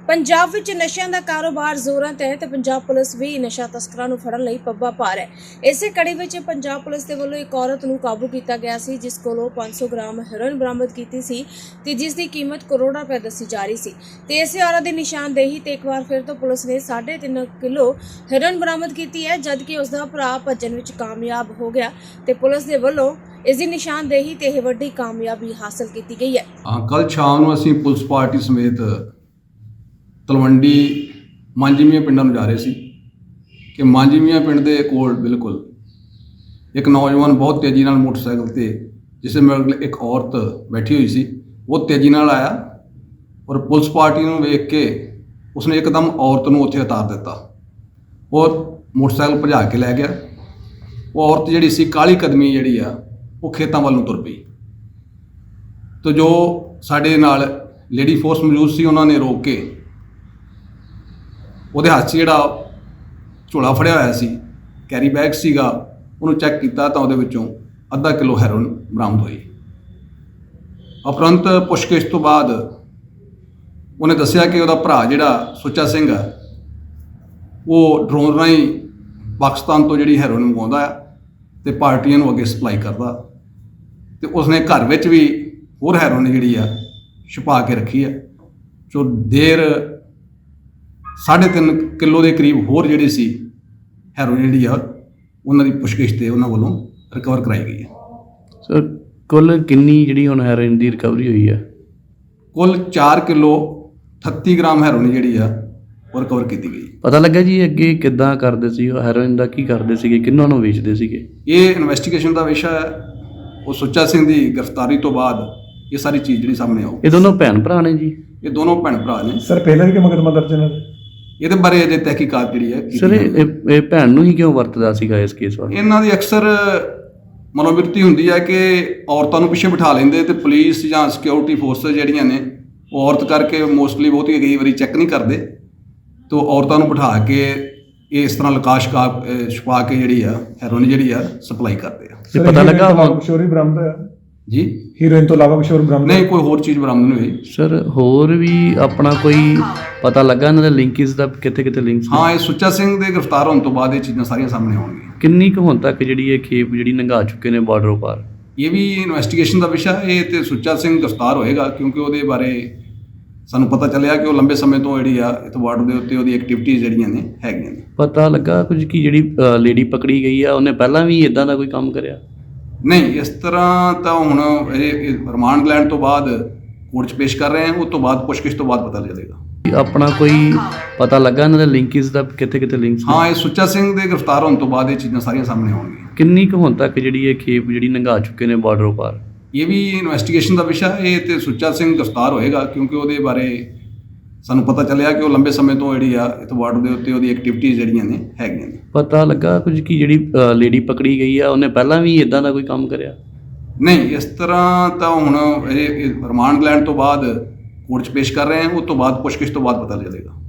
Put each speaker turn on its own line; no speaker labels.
ਪੰਜਾਬ ਵਿੱਚ ਨਸ਼ਿਆਂ ਦਾ ਕਾਰੋਬਾਰ ਜ਼ੋਰਾਂ ਤੇ ਹੈ ਤੇ ਪੰਜਾਬ ਪੁਲਿਸ ਵੀ ਨਸ਼ਾ ਤਸਕਰਾਂ ਨੂੰ ਫੜਨ ਲਈ ਪੱਬਾ ਭਾਰ ਹੈ। ਇਸੇ ਕੜੀ ਵਿੱਚ ਪੰਜਾਬ ਪੁਲਿਸ ਦੇ ਵੱਲੋਂ ਇੱਕ ਔਰਤ ਨੂੰ ਕਾਬੂ ਕੀਤਾ ਗਿਆ ਸੀ, ਜਿਸ ਕੋਲੋਂ 500 ਗ੍ਰਾਮ ਹੈਰੋਇਨ ਬਰਾਮਦ ਕੀਤੀ ਸੀ ਤੇ ਜਿਸ ਦੀ ਕੀਮਤ ਕਰੋੜਾਂ ਰੁਪਏ ਦੱਸੀ ਜਾ ਰਹੀ ਸੀ। ਤੇ ਇਸੇ ਔਰਤ ਦੀ ਨਿਸ਼ਾਨਦੇਹੀ ਤੇ ਇੱਕ ਵਾਰ ਫਿਰ ਤੋਂ ਪੁਲਿਸ ਨੇ 3.5 ਕਿਲੋ ਹੈਰੋਇਨ ਬਰਾਮਦ ਕੀਤੀ ਹੈ, ਜਦਕਿ ਉਸ ਦਾ ਭਰਾ ਭੱਜਣ ਵਿੱਚ ਕਾਮਯਾਬ ਹੋ ਗਿਆ ਤੇ ਪੁਲਿਸ ਦੇ ਵੱਲੋਂ ਇਸ ਦੀ ਨਿਸ਼ਾਨਦੇਹੀ ਤੇ ਇਹ ਵੱਡੀ ਕਾਮਯਾਬੀ ਹਾਸਲ ਕੀਤੀ ਗਈ ਹੈ।
ਕੱਲ੍ਹ ਸ਼ਾਮ ਨੂੰ ਅਸੀਂ ਪੁਲਿਸ ਪਾਰਟੀ ਸਮੇਤ ਤਲਵੰਡੀ ਮਾਂਜੀਮੀਆਂ ਪਿੰਡਾਂ ਨੂੰ ਜਾ ਰਹੇ ਸੀ ਕਿ ਮਾਂਜੀਮੀਆਂ ਪਿੰਡ ਦੇ ਕੋਲ ਬਿਲਕੁਲ ਇੱਕ ਨੌਜਵਾਨ ਬਹੁਤ ਤੇਜ਼ੀ ਨਾਲ ਮੋਟਰਸਾਈਕਲ ਤੇ ਜਿਸ ਮਗਰ ਇੱਕ ਔਰਤ ਬੈਠੀ ਹੋਈ ਸੀ, ਉਹ ਤੇਜ਼ੀ ਨਾਲ ਆਇਆ ਔਰ ਪੁਲਿਸ ਪਾਰਟੀ ਨੂੰ ਵੇਖ ਕੇ ਉਸਨੇ ਇੱਕਦਮ ਔਰਤ ਨੂੰ ਉੱਥੇ ਉਤਾਰ ਦਿੱਤਾ। ਉਹ ਮੋਟਰਸਾਈਕਲ ਭਜਾ ਕੇ ਲੈ ਗਿਆ। ਉਹ ਔਰਤ ਜਿਹੜੀ ਸੀ ਕਾਲੀ ਕਦਮੀ ਜਿਹੜੀ ਆ ਉਹ ਖੇਤਾਂ ਵੱਲ ਨੂੰ ਤੁਰ ਪਈ। ਤਾਂ ਜੋ ਸਾਡੇ ਨਾਲ ਲੇਡੀ ਫੋਰਸ ਮੌਜੂਦ ਸੀ, ਉਹਨਾਂ ਨੇ ਰੋਕ ਕੇ ਉਹਦੇ ਹੱਥ 'ਚ ਜਿਹੜਾ ਝੋਲਾ ਫੜਿਆ ਹੋਇਆ ਸੀ, ਕੈਰੀ ਬੈਗ ਸੀਗਾ, ਉਹਨੂੰ ਚੈੱਕ ਕੀਤਾ ਤਾਂ ਉਹਦੇ ਵਿੱਚੋਂ ਅੱਧਾ ਕਿਲੋ ਹੈਰੋਇਨ ਬਰਾਮਦ ਹੋਈ। ਉਪਰੰਤ ਪੁੱਛਗਿੱਛ ਤੋਂ ਬਾਅਦ ਉਹਨੇ ਦੱਸਿਆ ਕਿ ਉਹਦਾ ਭਰਾ ਜਿਹੜਾ ਸੁੱਚਾ ਸਿੰਘ ਹੈ ਉਹ ਡਰੋਨ ਰਾਹੀਂ ਪਾਕਿਸਤਾਨ ਤੋਂ ਜਿਹੜੀ ਹੈਰੋਇਨ ਮੰਗਵਾਉਂਦਾ ਹੈ ਤੇ ਪਾਰਟੀਆਂ ਨੂੰ ਅੱਗੇ ਸਪਲਾਈ ਕਰਦਾ, ਤੇ ਉਸਨੇ ਘਰ ਵਿੱਚ ਵੀ ਹੋਰ ਹੈਰੋਇਨ ਜਿਹੜੀ ਆ ਛੁਪਾ ਕੇ ਰੱਖੀ ਹੈ। ਜੋ ਦੇਰ 3.5 ਕਿਲੋ ਦੇ ਕਰੀਬ ਹੋਰ ਜਿਹੜੀ ਸੀ ਹੈਰੋਇਨ ਜਿਹੜੀ ਆ ਉਹਨਾਂ ਦੀ ਪੁੱਛਗਿੱਛ ਤੇ ਉਹਨਾਂ ਵੱਲੋਂ ਰਿਕਵਰ ਕਰਾਈ ਗਈ ਹੈ।
ਸਰ ਕੁੱਲ ਕਿੰਨੀ ਜਿਹੜੀ ਹੁਣ ਹੈਰੋਇਨ ਦੀ ਰਿਕਵਰੀ ਹੋਈ ਹੈ?
ਕੁੱਲ 4 ਕਿਲੋ 38 ਗ੍ਰਾਮ ਹੈਰੋਇਨ ਜਿਹੜੀ ਆ ਉਹ ਰਿਕਵਰ ਕੀਤੀ ਗਈ।
ਪਤਾ ਲੱਗਾ ਜੀ ਅੱਗੇ ਕਿੱਦਾਂ ਕਰਦੇ ਸੀ ਉਹ ਹੈਰੋਇਨ ਦਾ, ਕੀ ਕਰਦੇ ਸੀਗੇ, ਕਿਹਨਾਂ ਨੂੰ ਵੇਚਦੇ ਸੀਗੇ?
ਇਹ ਇਨਵੈਸਟੀਗੇਸ਼ਨ ਦਾ ਵਿਸ਼ਾ ਹੈ। ਉਹ ਸੁੱਚਾ ਸਿੰਘ ਦੀ ਗ੍ਰਿਫਤਾਰੀ ਤੋਂ ਬਾਅਦ ਇਹ ਸਾਰੀ ਚੀਜ਼ ਜਿਹੜੀ ਸਾਹਮਣੇ ਆਊ।
ਇਹ ਦੋਨੋਂ ਭੈਣ ਭਰਾ ਨੇ ਜੀ?
ਇਹ ਦੋਨੋਂ ਭੈਣ ਭਰਾ ਨੇ।
ਸਰ ਪਹਿਲਾਂ ਵੀ ਕਿ ਮੁਕੱਦਮਾ ਦਰਜ ਇਹਨਾਂ ਦੇ?
ਇਹਦੇ ਬਾਰੇ ਅਜੇ ਤਹਿਕੀਕਾਤ ਜਿਹੜੀ ਹੈ
ਸਰ ਇਹ ਭੈਣ ਨੂੰ ਹੀ ਕਿਉਂ ਵਰਤਦਾ ਸੀਗਾ ਇਸ ਕੇਸ ਵਾਸਤੇ?
ਇਹਨਾਂ ਦੀ ਅਕਸਰ ਮਨੋਵਿਰਤੀ ਹੁੰਦੀ ਹੈ ਕਿ ਔਰਤਾਂ ਨੂੰ ਪਿੱਛੇ ਬਿਠਾ ਲੈਂਦੇ ਤੇ ਪੁਲਿਸ ਜਾਂ ਸਿਕਿਉਰਿਟੀ ਫੋਰਸਿਸ ਜਿਹੜੀਆਂ ਨੇ ਉਹ ਔਰਤ ਕਰਕੇ ਮੋਸਟਲੀ ਬਹੁਤੀ ਕਈ ਵਾਰੀ ਚੈੱਕ ਨਹੀਂ ਕਰਦੇ, ਤੋਂ ਔਰਤਾਂ ਨੂੰ ਬਿਠਾ ਕੇ ਇਸ ਤਰ੍ਹਾਂ ਲਕਾਸ਼ ਛੁਪਾ ਕੇ ਜਿਹੜੀ ਆ ਹੈਰੋਇਨ ਜਿਹੜੀ ਆ ਸਪਲਾਈ ਕਰਦੇ ਆ।
ਤੇ ਪਤਾ ਲੱਗਾ
ਕੁਛ ਹੋਰ ਵੀ ਬਰਾਮਦ ਹੋਇਆ
ਜੀ?
ਹੀਰੋਇਨ ਤੋਂ ਇਲਾਵਾ ਕੁਛ ਹੋਰ ਬਰਾਮਦ
ਨਹੀਂ, ਕੋਈ ਹੋਰ ਚੀਜ਼ ਬਰਾਮਦ ਨਹੀਂ ਹੋਈ।
ਸਰ ਹੋਰ ਵੀ ਆਪਣਾ ਕੋਈ ਪਤਾ ਲੱਗਾ ਇਹਨਾਂ ਦੇ ਲਿੰਕਸ ਦਾ, ਕਿੱਥੇ ਕਿੱਥੇ ਲਿੰਕਸ?
ਹਾਂ, ਇਹ ਸੁੱਚਾ ਸਿੰਘ ਦੇ ਗ੍ਰਿਫਤਾਰ ਹੋਣ ਤੋਂ ਬਾਅਦ ਇਹ ਚੀਜ਼ਾਂ ਸਾਰੀਆਂ ਸਾਹਮਣੇ ਆਉਣਗੀਆਂ।
ਕਿੰਨੀ ਕੁ ਹੁਣ ਤੱਕ ਜਿਹੜੀ ਇਹ ਖੇਪ ਜਿਹੜੀ ਲੰਘਾ ਚੁੱਕੇ ਨੇ ਬਾਰਡਰੋਂ ਪਾਰ?
ਇਹ ਵੀ ਇਨਵੈਸਟੀਗੇਸ਼ਨ ਦਾ ਵਿਸ਼ਾ। ਇਹ ਤੇ ਸੁੱਚਾ ਸਿੰਘ ਗ੍ਰਿਫਤਾਰ ਹੋਏਗਾ ਕਿਉਂਕਿ ਉਹਦੇ ਬਾਰੇ ਸਾਨੂੰ ਪਤਾ ਚੱਲਿਆ ਕਿ ਉਹ ਲੰਬੇ ਸਮੇਂ ਤੋਂ ਜਿਹੜੀ ਆ ਇਸ ਬਾਰਡਰ ਦੇ ਉੱਤੇ ਉਹਦੀ ਐਕਟੀਵਿਟੀਜ਼ ਜਿਹੜੀਆਂ ਨੇ ਹੈਗੀਆਂ ਨੇ।
ਪਤਾ ਲੱਗਾ ਕੁਝ ਕਿ ਜਿਹੜੀ ਲੇਡੀ ਪਕੜੀ ਗਈ ਆ ਉਹਨੇ ਪਹਿਲਾਂ ਵੀ ਇਦਾਂ ਦਾ ਕੋਈ ਕੰਮ ਕਰਿਆ?
ਨਹੀਂ, ਇਸ ਤਰ੍ਹਾਂ ਤਾਂ ਹੁਣ ਇਹ ਰਿਮਾਂਡ ਲੈਣ ਤੋਂ ਬਾਅਦ ਕੋਰਟ 'ਚ ਪੇਸ਼ ਕਰ ਰਹੇ ਹਾਂ, ਉਸ ਤੋਂ ਬਾਅਦ ਪੁੱਛਗਿੱਛ ਤੋਂ ਬਾਅਦ ਪਤਾ ਚੱਲੇਗਾ।
ਆਪਣਾ ਕੋਈ ਪਤਾ ਲੱਗਾ ਇਹਨਾਂ ਦੇ ਲਿੰਕਸ ਦਾ, ਕਿੱਥੇ ਕਿੱਥੇ ਲਿੰਕਸ?
ਹਾਂ, ਇਹ ਸੁੱਚਾ ਸਿੰਘ ਦੇ ਗ੍ਰਿਫਤਾਰ ਹੋਣ ਤੋਂ ਬਾਅਦ ਇਹ ਚੀਜ਼ਾਂ ਸਾਰੀਆਂ ਸਾਹਮਣੇ ਆਉਣਗੀਆਂ।
ਕਿੰਨੀ ਕੁ ਹੁਣ ਤੱਕ ਜਿਹੜੀ ਇਹ ਖੇਪ ਜਿਹੜੀ ਲੰਘਾ ਚੁੱਕੇ ਨੇ ਬਾਰਡਰੋਂ ਪਾਰ?
ਇਹ ਵੀ ਇਨਵੈਸਟੀਗੇਸ਼ਨ ਦਾ ਵਿਸ਼ਾ। ਇਹ ਤੇ ਸੁੱਚਾ ਸਿੰਘ ਗ੍ਰਿਫਤਾਰ ਹੋਏਗਾ ਕਿਉਂਕਿ ਉਹਦੇ ਬਾਰੇ ਸਾਨੂੰ ਪਤਾ ਚੱਲਿਆ ਕਿ ਉਹ ਲੰਬੇ ਸਮੇਂ ਤੋਂ ਜਿਹੜੀ ਆ ਇਸ ਬਾਰਡਰ ਦੇ ਉੱਤੇ ਉਹਦੀ ਐਕਟੀਵਿਟੀਜ਼ ਜਿਹੜੀਆਂ ਨੇ ਹੈਗੀਆਂ ਨੇ।
ਪਤਾ ਲੱਗਾ ਕੁਝ ਕਿ ਜਿਹੜੀ ਲੇਡੀ ਪਕੜੀ ਗਈ ਆ ਉਹਨੇ ਪਹਿਲਾਂ ਵੀ ਇਦਾਂ ਦਾ ਕੋਈ ਕੰਮ ਕਰਿਆ?
ਨਹੀਂ, ਇਸ ਤਰ੍ਹਾਂ ਤਾਂ ਹੁਣ ਇਹ ਰਿਮਾਂਡ ਲੈਣ ਤੋਂ ਬਾਅਦ ਕੋਰਟ 'ਚ ਪੇਸ਼ ਕਰ ਰਹੇ ਹਾਂ, ਉਸ ਤੋਂ ਬਾਅਦ ਪੁੱਛਗਿੱਛ ਤੋਂ ਬਾਅਦ ਪਤਾ ਚੱਲੇਗਾ।